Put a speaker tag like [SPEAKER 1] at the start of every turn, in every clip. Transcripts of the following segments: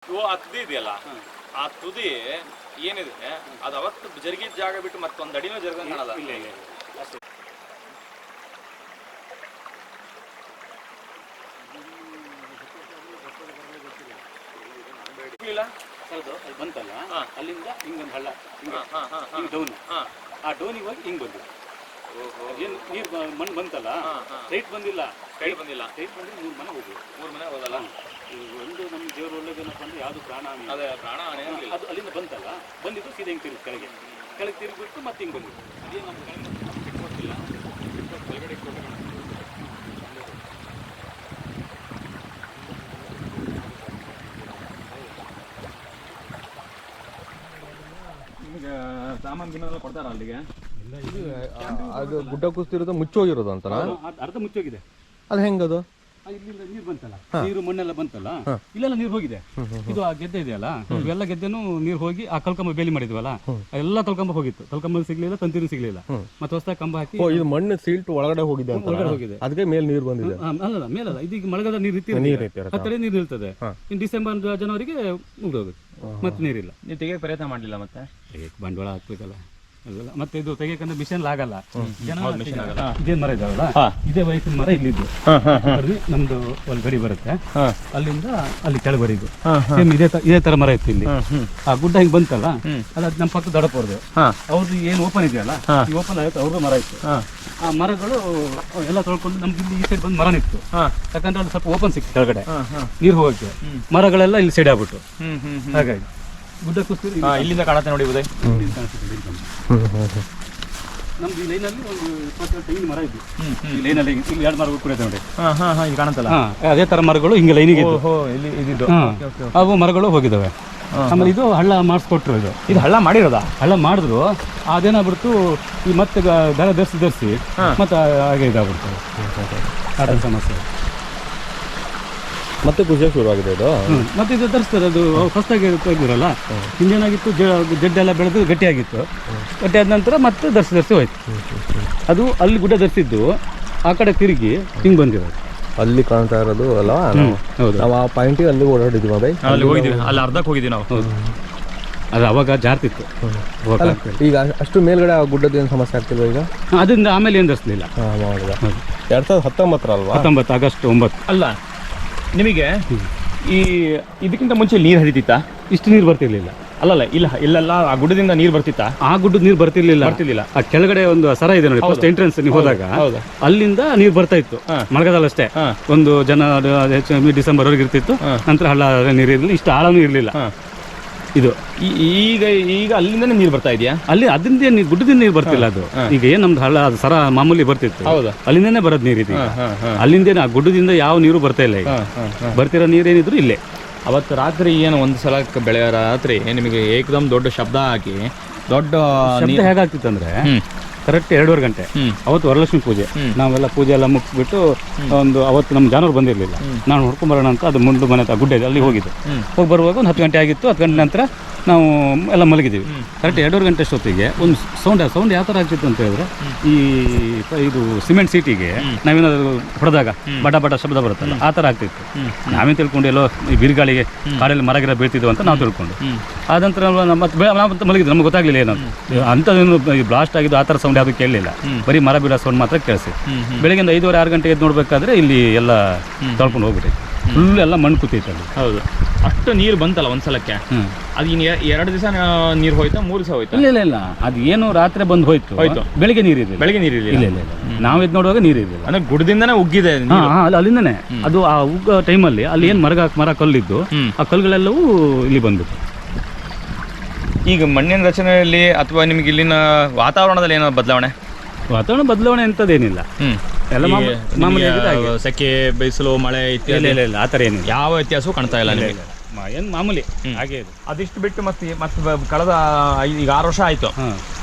[SPEAKER 1] ಆ ತುದಿ ಇದೆಯಲ್ಲ, ಆ ತುದಿ ಏನಿದೆ ಅದು ಅವತ್ತು ಜರುಗಿದ ಜಾಗ ಬಿಟ್ಟು ಮತ್ತೊಂದು ಅಡಿನೂ ಜರುಗಂಗೆ ಕಾಣಲ್ಲ.
[SPEAKER 2] ಇಲ್ಲ ಇಲ್ಲ ಅಷ್ಟೇ. ಹೌದು, ಅದು ಬಂತಲ್ಲ, ಅಲ್ಲಿಂದ ಹಿಂಗೊಂದು ಹಳ್ಳ, ಹಿಂಗೆ ಡೌನ್, ಆ ಡೌನಿಗೆ ಹೋಗಿ ಹಿಂಗೆ ಬಂದು ಏನು ನೀರು ಮಣ್ಣು ಬಂತಲ್ಲ, ರೈಟ್ ಬಂದಿಲ್ಲ, ರೈಟ್ ಬಂದಿಲ್ಲ, ರೈಟ್ ಬಂದ್ರೆ 3 ಮನೆ ಹೋಗಿ
[SPEAKER 1] 3 ಮನೆ ಹೋದಲ್ಲ.
[SPEAKER 2] ಒಂದು ನಮ್ಮ ದೇವ್ರ ಒಳ್ಳೇದೇನಪ್ಪ ಅಂದ್ರೆ ಯಾವುದು ಪ್ರಾಣ ಹಾನಿ,
[SPEAKER 1] ಅದೇ ಪ್ರಾಣ ಹಾನಿ
[SPEAKER 2] ಅದು ಅಲ್ಲಿಂದ ಬಂತಲ್ಲ, ಬಂದಿದ್ದು ಸೀದಾ ಹಿಂಗೆ ತಿರುಗಿ ಕೆಳಗೆ ತಿರುಗಿಬಿಟ್ಟು ಮತ್ತೆ ಹಿಂಗೆ ಬಂದಿದ್ದು. ಅದೇನು ನಮ್ಮ ಕೆಳಗೆ ಬಿಟ್ಕೊಟ್ಟಿಲ್ಲ, ಕೆಳಗಡೆ ಕೊಟ್ಟು
[SPEAKER 1] ನಿಮಗೆ ಸಾಮಾನು ಗಿನ್ನೆಲ್ಲ ಕೊಡ್ತಾರ ಅಲ್ಲಿಗೆ?
[SPEAKER 3] ಅದು ಗುಡ್ಡ ಕುಸ್ತಿರೋದು ಮುಚ್ಚೋಗಿರೋದು ಅಂತನಾ?
[SPEAKER 2] ಅರ್ಧ ಮುಚ್ಚೋಗಿದೆ.
[SPEAKER 3] ಅದು ಹೆಂಗದು?
[SPEAKER 2] ಇಲ್ಲಿಂದ ನೀರು ಬಂತಲ್ಲ, ನೀರು ಮಣ್ಣೆಲ್ಲ ಬಂತಲ್ಲ, ಇಲ್ಲೆಲ್ಲ ನೀರು ಹೋಗಿದೆ. ಇದು ಆ ಗೆದ್ದೆ ಇದೆಯಲ್ಲ, ಇವೆಲ್ಲ ಗೆದ್ದೆನೂ ನೀರು ಹೋಗಿ ಆ ಕಲ್ಕಂಬ ಬೇಲಿ ಮಾಡಿದ್ವಲ್ಲ, ಎಲ್ಲ ಕಲ್ಕಂಬ ಹೋಗಿತ್ತು. ಕಲ್ಕಂಬ ಸಿಗ್ಲಿಲ್ಲ, ತಂತಿನೂ ಸಿಗ್ಲಿಲ್ಲ. ಮತ್ತೆ ಹೊಸದಾಗಿ ಕಂಬ ಹಾಕಿ
[SPEAKER 3] ಇದು ಮಣ್ಣು ಸೀಲ್ಟ್ ಒಳಗಡೆ ಹೋಗಿದೆ ಅಂತ,
[SPEAKER 2] ಒಳಗಡೆ ಹೋಗಿದೆ.
[SPEAKER 3] ಅದಕ್ಕೆ ಮೇಲೆ ನೀರು ಬಂದಿದೆ.
[SPEAKER 2] ಅಲ್ಲ ಮೇಲಲ್ಲ, ಇದೀಗ ಮಳೆಗಾಲ ನೀರು ಹತ್ತಿರ ನೀರು ನಿಲ್ತದೆ. ಇನ್ನು ಡಿಸೆಂಬರ್ ಜನವರಿಗೆ ಮುಗಿದೋಗುತ್ತೆ, ಮತ್ತೆ ನೀರಿಲ್ಲ.
[SPEAKER 1] ನೀವು ತೆಗಿಯಕ್ಕೆ ಪ್ರಯತ್ನ ಮಾಡಲಿಲ್ಲ? ಮತ್ತೆ
[SPEAKER 2] ಬಂಡವಾಳ ಹಾಕ್ಬೇಕಲ್ಲ ಅದೆಲ್ಲ. ಮತ್ತೆ ಇದು ತೆಗಿಯಕಂದ್ರೆ ಮಿಷನ್ ಆಗಲ್ಲ. ಇದೇ ಮರ ಇದಾವಲ್ಲ, ಇದೇ ವಯಸ್ಸಿನ ಮರ ಇಲ್ಲಿದ್ದು ನಮ್ದು ಒಂದು ಗಡಿ ಬರುತ್ತೆ, ಅಲ್ಲಿಂದ ಅಲ್ಲಿ ಕೆಳಗಡಿದು ಸೇಮ್ ಇದೇ ತರ ಮರ ಇತ್ತು ಇಲ್ಲಿ. ಆ ಗುಡ್ಡ ಹಿಂಗ್ ಬಂತಲ್ಲ, ಅದ್ ನಮ್ಮ ಪಕ್ಕ ದೊಡ್ಡಪವ್ರದ್ದು, ಅವ್ರದ್ದು ಏನು ಓಪನ್ ಇದೆಯಲ್ಲ, ಈ ಓಪನ್ ಆಗುತ್ತೆ, ಅವ್ರದ್ದು ಮರ ಇತ್ತು. ಆ ಮರಗಳು ಎಲ್ಲ ತೊಳ್ಕೊಂಡು ನಮ್ಗೆ ಇಲ್ಲಿ ಈ ಸೈಡ್ ಬಂದು ಮರ ನಿಂತು, ಯಾಕಂದ್ರೆ ಅಲ್ಲಿ ಸ್ವಲ್ಪ ಓಪನ್ ಸಿಕ್ತು ಕೆಳಗಡೆ ನೀರು ಹೋಗಕ್ಕೆ. ಮರಗಳೆಲ್ಲ ಇಲ್ಲಿ ಸೈಡ್ ಆಗ್ಬಿಟ್ಟು, ಹಾಗಾಗಿ ಗುಡ್ಡ ಕುಸ್ತಿ
[SPEAKER 1] ಇಲ್ಲಿಂದ ಕಾಣುತ್ತೆ ನೋಡಿ ಉದಯ್.
[SPEAKER 2] ನಮ್ದು ಈ ಲೈನಲ್ಲಿ ಒಂದು 20 ತೆಂಗಿನ ಮರ ಇದ್ದು, ಈ ಲೈನಲ್ಲಿ ಇಲ್ಲಿ 2 ಮರಗಳು ಕೂಡ ನೋಡಿ,
[SPEAKER 1] ಇಲ್ಲಿ ಕಾಣುತ್ತಲ್ಲ,
[SPEAKER 2] ಅದೇ ತರ ಮರಗಳು ಹಿಂಗೆ ಲೈನಿಗೆ
[SPEAKER 1] ಇದ್ದು
[SPEAKER 2] ಅವು ಮರಗಳು ಹೋಗಿದ್ದಾವೆ. ಆಮೇಲೆ ಇದು ಹಳ್ಳ ಮಾಡಿಸ್ಕೊಟ್ರು. ಇದು
[SPEAKER 1] ಹಳ್ಳ ಮಾಡಿರೋದಾ?
[SPEAKER 2] ಹಳ್ಳ ಮಾಡಿದ್ರು, ಅದೇನಾಗ್ಬಿಡ್ತು, ಈ ಮತ್ತೆ ದರ ಧರಿಸಿ ಮತ್ತೆ ಹಾಗೆ ಇದಾಗ್ಬಿಡ್ತದೆ, ಆ ಸಮಸ್ಯೆ.
[SPEAKER 3] ಮತ್ತೆ ಖುಷಿ ಶುರುವಾಗಿದೆ ಇದು.
[SPEAKER 2] ಮತ್ತೆ ಇದು ಧರಿಸ್ತಾರೆ, ಅದು ಫಸ್ಟಾಗಿ ತೆಗ್ದಿರಲ್ಲ, ಹಿಂದೇನಾಗಿತ್ತು, ಜಡ್ಡೆಲ್ಲ ಬೆಳೆದು ಗಟ್ಟಿಯಾಗಿತ್ತು, ಗಟ್ಟಿಯಾದ ನಂತರ ಮತ್ತೆ ಧರಿಸಿ ಹೋಯ್ತು. ಅದು ಅಲ್ಲಿ ಗುಡ್ಡ ಧರಿಸಿದ್ದು ಆ ಕಡೆ ತಿರುಗಿ ಹಿಂಗೆ ಬಂದಿರೋದು.
[SPEAKER 3] ಅಲ್ಲಿ ಕಾಣ್ತಾ ಇರೋದು ಅಲ್ಲ, ನಾವು ಆ ಪಾಯಿಂಟಿಗೆ ಅಲ್ಲಿ ಓಡಾಡಿದ್ವಿ ಅದೇ,
[SPEAKER 1] ಅಲ್ಲಿ ಹೋಗಿದ್ವಿ, ಅಲ್ಲಿ ಅರ್ಧಕ್ಕೆ ಹೋಗಿದ್ವಿ ನಾವು.
[SPEAKER 2] ಅದು ಅವಾಗ ಜಾರ್ತಿತ್ತು.
[SPEAKER 3] ಈಗ ಅಷ್ಟು ಮೇಲ್ಗಡೆ ಆ ಗುಡ್ಡದ ಏನು ಸಮಸ್ಯೆ ಆಗ್ತಿಲ್ವ ಈಗ?
[SPEAKER 2] ಅದರಿಂದ ಆಮೇಲೆ ಏನು ಧರಿಸಲಿಲ್ಲ.
[SPEAKER 3] 2019 ಅಲ್ವಾ?
[SPEAKER 2] 19 ಆಗಸ್ಟ್ 9.
[SPEAKER 1] ಅಲ್ಲ, ನಿಮಗೆ ಈ ಇದಕ್ಕಿಂತ ಮುಂಚೆ ನೀರು ಹರಿತಿತ್ತಾ?
[SPEAKER 2] ಇಷ್ಟು ನೀರು ಬರ್ತಿರ್ಲಿಲ್ಲ.
[SPEAKER 1] ಅಲ್ಲಲ್ಲ, ಇಲ್ಲೆಲ್ಲ ಆ ಗುಡ್ಡದಿಂದ ನೀರು ಬರ್ತಿತ್ತಾ?
[SPEAKER 2] ಆ ಗುಡ್ಡದ ನೀರು ಬರ್ತಿರ್ಲಿಲ್ಲ. ಆ ಕೆಳಗಡೆ ಒಂದು ಸರ ಇದೆ ನೋಡಿ, ಫಸ್ಟ್ ಎಂಟ್ರೆನ್ಸ್ ನೀವು ಹೋದಾಗ ಅಲ್ಲಿಂದ ನೀರು ಬರ್ತಾ ಇತ್ತು ಮಳೆಗಾಲ ಅಷ್ಟೇ. ಒಂದು ಡಿಸೆಂಬರ್ ವರೆಗೆ ಇರ್ತಿತ್ತು, ನಂತರ ಹಳ್ಳ ನೀರು ಇರಲಿಲ್ಲ, ಇಷ್ಟು ಆಳನೂ ಇರಲಿಲ್ಲ. ಇದು
[SPEAKER 1] ಈಗ ಅಲ್ಲಿಂದನೇ ನೀರು ಬರ್ತಾ ಇದೆಯಾ?
[SPEAKER 2] ಅಲ್ಲಿ ಅದರಿಂದ ಗುಡ್ಡದಿಂದ ನೀರು ಬರ್ತಿಲ್ಲ. ಅದು ಈಗ ಏನ್ ನಮ್ದು ಹಳ್ಳ ಅದು ಸರ ಮಾಮೂಲಿ ಬರ್ತಿತ್ತು, ಅಲ್ಲಿಂದನೇ ಬರೋದು ನೀರು ಇದು. ಅಲ್ಲಿಂದ ಆ ಗುಡ್ಡದಿಂದ ಯಾವ ನೀರು ಬರ್ತಾ ಇಲ್ಲ. ಈಗ ಬರ್ತಿರೋ ನೀರೇನಿದ್ರು ಇಲ್ಲೇ.
[SPEAKER 1] ಅವತ್ತು ರಾತ್ರಿ ಏನು ಒಂದು ಸಲ ಬೆಳೆ ರಾತ್ರಿ ನಿಮಗೆ ಏಕದಮ್ ದೊಡ್ಡ ಶಬ್ದ ಹಾಕಿ ದೊಡ್ಡ
[SPEAKER 2] ಶಬ್ದ ಹೇಗಾಗ್ತಿತ್ತು ಅಂದ್ರೆ, ಕರೆಕ್ಟ್ 2:30 ಗಂಟೆ ಅವತ್ತು ವರಲಕ್ಷ್ಮಿ ಪೂಜೆ. ನಾವೆಲ್ಲ ಪೂಜೆ ಎಲ್ಲ ಮುಗಿಸ್ಬಿಟ್ಟು ಒಂದು ಅವತ್ತು ನಮ್ಮ ಜಾನುವಾರು ಬಂದಿರಲಿಲ್ಲ, ನಾನು ಹೊಡ್ಕೊಂಬರೋಣ ಅಂತ ಅದು ಮುಂದೆ ಮನೆ ಗುಡ್ಡ ಇದೆ ಅಲ್ಲಿ ಹೋಗಿದ್ದು. ಹೋಗಿ ಬರುವಾಗ ಒಂದು 10 ಗಂಟೆ ಆಗಿತ್ತು. 10 ಗಂಟೆ ನಂತರ ನಾವು ಎಲ್ಲ ಮಲಗಿದ್ದೀವಿ. ಕರೆಕ್ಟ್ 2:30 ಗಂಟೆ ಅಷ್ಟೊತ್ತಿಗೆ ಒಂದು ಸೌಂಡ್ ಯಾವ ಥರ ಆಗ್ತಿತ್ತು ಅಂತ ಹೇಳಿದ್ರೆ, ಇದು ಸಿಮೆಂಟ್ ಸೀಟಿಗೆ ನಾವೇನಾದ್ರು ಹೊಡೆದಾಗ ಬಡ ಶಬ್ದ ಬರುತ್ತಲ್ಲ, ಆ ಥರ ಆಗ್ತಿತ್ತು. ನಾವೇನು ತಿಳ್ಕೊಂಡು ಎಲ್ಲೋ ಈ ಬಿರುಗಾಳಿಗೆ ಕಾಡಲ್ಲಿ ಮರಗಿರ ಬೀಳ್ತಿದ್ವು ಅಂತ ನಾವು ತಿಳ್ಕೊಂಡು, ಆದ ನಂತರ ಮತ್ತೆ ಮಲಗಿದ್ದು, ನಮ್ಗೆ ಗೊತ್ತಾಗ್ಲಿಲ್ಲ ಏನಂತ ಅಂಥದ್ದೇನು ಬ್ಲಾಸ್ಟ್ ಆಗಿದ್ದು ಆ ಥರ ಸೌಂಡ್ ಯಾವುದು ಕೇಳಲಿಲ್ಲ. ಬರೀ ಮರ ಬೀಳೋ ಸೌಂಡ್ ಮಾತ್ರ ಕೇಳಿಸಿ. ಬೆಳಗ್ಗೆ 5:30-6 ಗಂಟೆಗೆ ಎದ್ದು ನೋಡ್ಬೇಕಾದ್ರೆ ಇಲ್ಲಿ ಎಲ್ಲ ತೊಳ್ಕೊಂಡು ಹೋಗ್ಬಿಟ್ಟು ಫುಲ್ ಎಲ್ಲ ಮಣ್ಣು ಕೂತೈತೆ ಅಲ್ಲಿ.
[SPEAKER 1] ಹೌದು, ಅಷ್ಟು ನೀರು ಬಂತಲ್ಲ ಒಂದ್ಸಲಕ್ಕೆ. ಅದು ಇನ್ನು 2 ದಿವಸ ನೀರು ಹೋಯ್ತಾ, 3 ದಿವಸ ಹೋಯ್ತಾ?
[SPEAKER 2] ಇಲ್ಲ, ಅದು ಏನು ರಾತ್ರಿ ಬಂದು ಹೋಯ್ತು. ಬೆಳಿಗ್ಗೆ ನೀರಿರಲಿಲ್ಲ. ಇಲ್ಲ, ನಾವು ಎದ್ದು ನೋಡುವಾಗ ನೀರಿರಲಿಲ್ಲ.
[SPEAKER 1] ಅಂದ್ರೆ ಗುಡ್ಡದಿಂದನೇ ಉಗ್ಗಿದೆ
[SPEAKER 2] ಅಲ್ಲಿಂದನೇ. ಅದು ಆ ಉಗ್ಗ ಟೈಮಲ್ಲಿ ಅಲ್ಲಿ ಏನು ಮರ ಕಲ್ಲಿದ್ದು, ಆ ಕಲ್ಲುಗಳೆಲ್ಲವೂ ಇಲ್ಲಿ ಬಂದ್ಬಿಟ್ಟು.
[SPEAKER 1] ಈಗ ಮಣ್ಣಿನ ರಚನೆಯಲ್ಲಿ ಅಥವಾ ನಿಮ್ಗೆ ಇಲ್ಲಿನ ವಾತಾವರಣದಲ್ಲಿ ಏನೋ
[SPEAKER 2] ವಾತಾವರಣ ಬದಲಾವಣೆ ಅಂತದೇನಿಲ್ಲ. ಎಲ್ಲ ಮಾಮೂಲಿ
[SPEAKER 1] ಸೆಕೆ, ಬೇಸಲು, ಮಳೆ ಇತ್ಯಾದಿ
[SPEAKER 2] ಇಲ್ಲ, ಆ ಥರ ಏನಿಲ್ಲ.
[SPEAKER 1] ಯಾವ ವ್ಯತ್ಯಾಸವೂ ಕಾಣ್ತಾ ಇಲ್ಲ ನಿಮಗೆ?
[SPEAKER 2] ಏನು ಮಾಮೂಲಿ ಹಾಗೆ ಇದೆ.
[SPEAKER 1] ಅದಿಷ್ಟು ಬಿಟ್ಟು ಮತ್ತೆ ಕಳೆದ ಈಗ 6 ವರ್ಷ ಆಯ್ತು.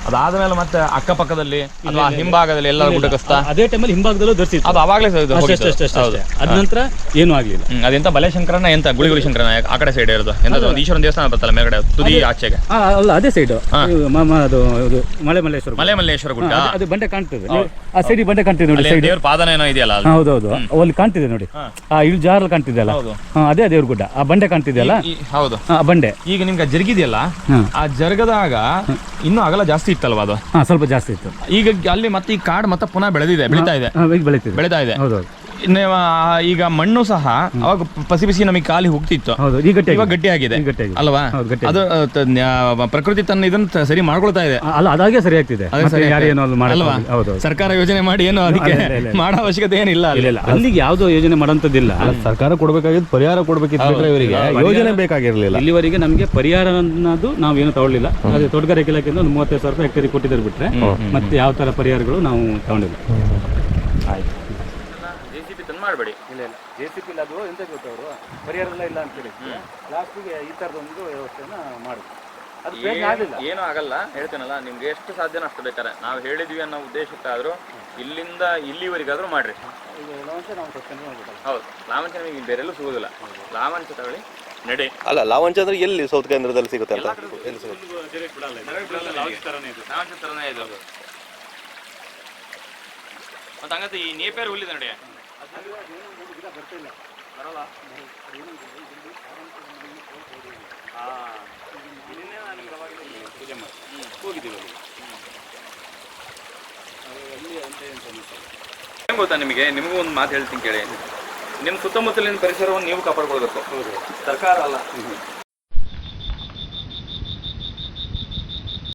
[SPEAKER 4] ಅದಾದ್ಮೇಲೆ ಮತ್ತೆ ಅಕ್ಕಪಕ್ಕದಲ್ಲಿ ಅಥವಾ ಹಿಂಭಾಗದಲ್ಲಿ ಎಲ್ಲರೂ ಗುಡ್ಡ ಕಸ್ತ
[SPEAKER 2] ಅದೇ ಟೈಮಲ್ಲಿ ಹಿಂಭಾಗದಲ್ಲೂ ಧರಿಸಿತ್ತು.
[SPEAKER 4] ಅದು ಅವಾಗಲೇ
[SPEAKER 2] ಅಷ್ಟೇ. ಅದ ನಂತರ ಏನೂ ಆಗ್ಲಿಲ್ಲ.
[SPEAKER 4] ಅದೆಂತ ಬಲೆ ಶಂಕರನ ಎಂತ ಗುಳಿಗುಳಿ ಶಂಕರನ ಆ ಕಡೆ ಸೈಡ್ ಇರೋದು ಎಂತ ಒಂದು ಈಶ್ವರನ ದೇವಸ್ಥಾನ ಬರ್ತಲ್ಲ ಮೇಲ್ಗಡೆ ತುದಿ ಆಚೆಗೆ?
[SPEAKER 2] ಅಲ್ಲ, ಅದೇ ಸೈಡ್ ಅದು ಮಲೆ ಮಲ್ಲೇಶ್ವರ
[SPEAKER 4] ಗುಡ್ಡ.
[SPEAKER 2] ಅದು ಬಂಡೆ ಕಾಣ್ತದೆ, ಆ ಸೈಡ್ ಬಂಡೆ ಕಾಣ್ತಿದೆ ನೋಡಿ,
[SPEAKER 4] ದೇವ್ರ ಪಾದನ ಏನೋ ಇದೆಯಲ್ಲ?
[SPEAKER 2] ಹೌದೌದು, ಅಲ್ಲಿ ಕಾಣ್ತಿದೆ ನೋಡಿ, ಆ ಇಳು ಜಾರಲ್ಲಿ ಕಾಣ್ತಿದೆಯಲ್ಲ, ಅದೇ ದೇವ್ರ ಗುಡ್ಡ. ಆ ಬಂಡೆ ಕಾಣ್ತಿದೆಯಲ್ಲ,
[SPEAKER 4] ಹೌದು
[SPEAKER 2] ಆ ಬಂಡೆ.
[SPEAKER 4] ಈಗ ನಿಮ್ಗೆ ಜರುಗಿದೆಯಲ್ಲ, ಆ ಜರುಗದಾಗ ಇನ್ನೂ ಅಗಲ ಜಾಸ್ತಿ ಇತ್ತಲ್ವಾ ಅದು?
[SPEAKER 2] ಸ್ವಲ್ಪ ಜಾಸ್ತಿ ಇತ್ತು.
[SPEAKER 4] ಈಗ ಅಲ್ಲಿ ಮತ್ತೆ ಈ ಕಾಡು ಮತ್ತೆ ಪುನಃ ಬೆಳೀತಾ ಇದೆ.
[SPEAKER 2] ಹೌದೌದು.
[SPEAKER 4] ಈಗ ಮಣ್ಣು ಸಹ ಅವಾಗ ಪಸಿ ನಮಗೆ ಕಾಲಿ ಹೋಗ್ತಿತ್ತು, ಇವಾಗ ಗಟ್ಟಿ ಆಗಿದೆ ಅಲ್ವಾ? ಅದು ಪ್ರಕೃತಿ ತನ್ನ ಇದನ್ನ ಸರಿ ಮಾಡ್ಕೊಳ್ತಾ ಇದೆ
[SPEAKER 2] ಅಲ್ಲ, ಅದಾಗೆ ಸರಿ ಆಗ್ತಿದೆ
[SPEAKER 4] ಅಲ್ವಾ? ಸರ್ಕಾರ ಯೋಜನೆ ಮಾಡಿ ಏನು ಅದಕ್ಕೆ ಮಾಡೋ ಅವಶ್ಯಕತೆ ಏನಿಲ್ಲ.
[SPEAKER 2] ಅಲ್ಲಿಗೆ ಯಾವ್ದೋ ಯೋಜನೆ ಮಾಡೋಂಥದ್ದಿಲ್ಲ.
[SPEAKER 3] ಸರ್ಕಾರ ಕೊಡ್ಬೇಕಾಗಿದ್ದು ಪರಿಹಾರ ಕೊಡ್ಬೇಕಿತ್ತು, ಇವರಿಗೆ ಯೋಜನೆ ಬೇಕಾಗಿರ್ಲಿಲ್ಲ.
[SPEAKER 2] ಇಲ್ಲಿವರೆಗೆ ನಮಗೆ ಪರಿಹಾರ ಅನ್ನೋದು ನಾವೇನು ತಗೊಳ್ಳಿಲ್ಲ. ಅದೇ ತೋಟಗಾರಿಕೆ ಇಲಾಖೆಯಿಂದ ಒಂದು 35,000 ರೂಪಾಯಿ ಹೆಕ್ಟೇರಿಗೆ ಕೊಟ್ಟಿದ್ದಾರೆ ಬಿಟ್ರೆ ಮತ್ತೆ ಯಾವ ತರ ಪರಿಹಾರಗಳು ನಾವು ತಗೊಂಡಿಲ್ಲ.
[SPEAKER 4] ಆಯ್ತು,
[SPEAKER 1] ಮಾಡಬೇಡಿ.
[SPEAKER 2] ಇಲ್ಲ JCP ಅದು ಎಂತ ಗೊತ್ತವರು ಪರಿಹಾರ ಇಲ್ಲ ಅಂತ ಹೇಳಿ ಲಾಸ್ಟಿಗೆ ಈ ಥರದೊಂದು ವ್ಯವಸ್ಥೆನ ಮಾಡಿದ್ರು. ಅದು
[SPEAKER 1] ಏನೂ ಆಗಲ್ಲ, ಹೇಳ್ತೇನಲ್ಲ, ನಿಮ್ಗೆ ಎಷ್ಟು ಸಾಧ್ಯನೋ ಅಷ್ಟು ಬೇಕಾರೆ ನಾವು ಹೇಳಿದ್ವಿ ಅನ್ನೋ ಉದ್ದೇಶಕ್ಕಾದರೂ ಇಲ್ಲಿಂದ ಇಲ್ಲಿವರೆಗಾದರೂ ಮಾಡ್ರಿ. ಹೌದು, ಲಾವಂಚ ನಿಮಗೆ ಬೇರೆಲ್ಲೂ ಸಿಗೋದಿಲ್ಲ. ಲಾವಂಚ ತಗೊಳ್ಳಿ, ನಡೆ.
[SPEAKER 3] ಅಲ್ಲ, ಲಾವಂಚ ಅಂದ್ರೆ ಎಲ್ಲಿ ಸೌತ್ ಕೇಂದ್ರದಲ್ಲಿ ಸಿಗುತ್ತೆ ಅಂತ?
[SPEAKER 1] ಲಾವಂಚ ಥರನೇ ಇದೆ ಅದು. ಮತ್ತು ಹಂಗಂತ ಈ ನೇಪೇರು ಹುಲ್ಲಿದೆ ನೋಡಿ, ಬರಲ್ಲ. ಏನ್ ಗೊತ್ತಾ ನಿಮಗೂ ಒಂದು ಮಾತು ಹೇಳ್ತೀನಿ ಕೇಳಿ. ನಿಮ್ಮ ಸುತ್ತಮುತ್ತಲಿನ ಪರಿಸರವನ್ನು ನೀವು ಕಾಪಾಡ್ಕೊಳ್ಬೇಕು, ಸರ್ಕಾರ ಅಲ್ಲ.